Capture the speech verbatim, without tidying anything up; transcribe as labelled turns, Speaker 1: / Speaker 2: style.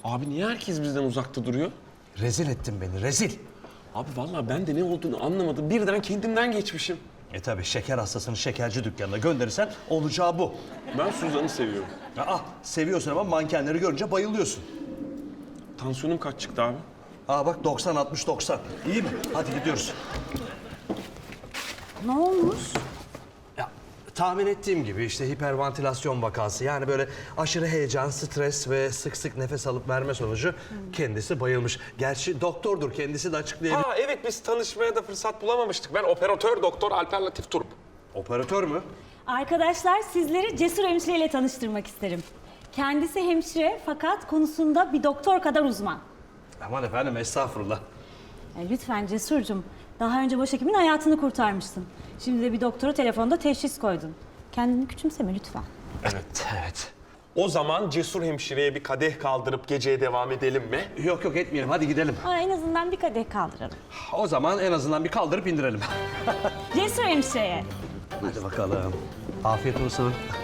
Speaker 1: Abi niye herkes bizden uzakta duruyor?
Speaker 2: Rezil ettin beni, rezil.
Speaker 1: Abi vallahi ben de ne olduğunu anlamadım. Birden kendimden geçmişim.
Speaker 2: E tabi şeker hastasını şekerci dükkanına gönderirsen olacağı bu.
Speaker 1: Ben Suzan'ı seviyorum.
Speaker 2: Aa, seviyorsun ama mankenleri görünce bayılıyorsun.
Speaker 1: Tansiyonum kaç çıktı abi?
Speaker 2: Aa bak doksan altmış doksan. İyi mi? Hadi gidiyoruz.
Speaker 3: Ne olmuş?
Speaker 2: Ya tahmin ettiğim gibi işte hiperventilasyon vakası. Yani böyle aşırı heyecan, stres ve sık sık nefes alıp verme sonucu kendisi bayılmış. Gerçi doktordur, kendisi de açıklayabilir.
Speaker 1: Aa evet, biz tanışmaya da fırsat bulamamıştık. Ben operatör doktor Alper Latif Turp.
Speaker 2: Operatör mü?
Speaker 3: Arkadaşlar sizleri Cesur Hemşire ile tanıştırmak isterim. Kendisi hemşire fakat konusunda bir doktor kadar uzman.
Speaker 2: Aman efendim estağfurullah.
Speaker 3: E, lütfen Cesur'cum. Daha önce başhekimin hayatını kurtarmıştın. Şimdi de bir doktora telefonda teşhis koydun. Kendini küçümseme lütfen.
Speaker 2: Evet, evet.
Speaker 1: O zaman Cesur Hemşire'ye bir kadeh kaldırıp geceye devam edelim mi?
Speaker 2: Yok yok etmeyelim, hadi gidelim.
Speaker 3: Aa, en azından bir kadeh kaldıralım.
Speaker 2: O zaman en azından bir kaldırıp indirelim.
Speaker 3: Cesur Hemşire'ye.
Speaker 2: Hadi bakalım. Afiyet olsun.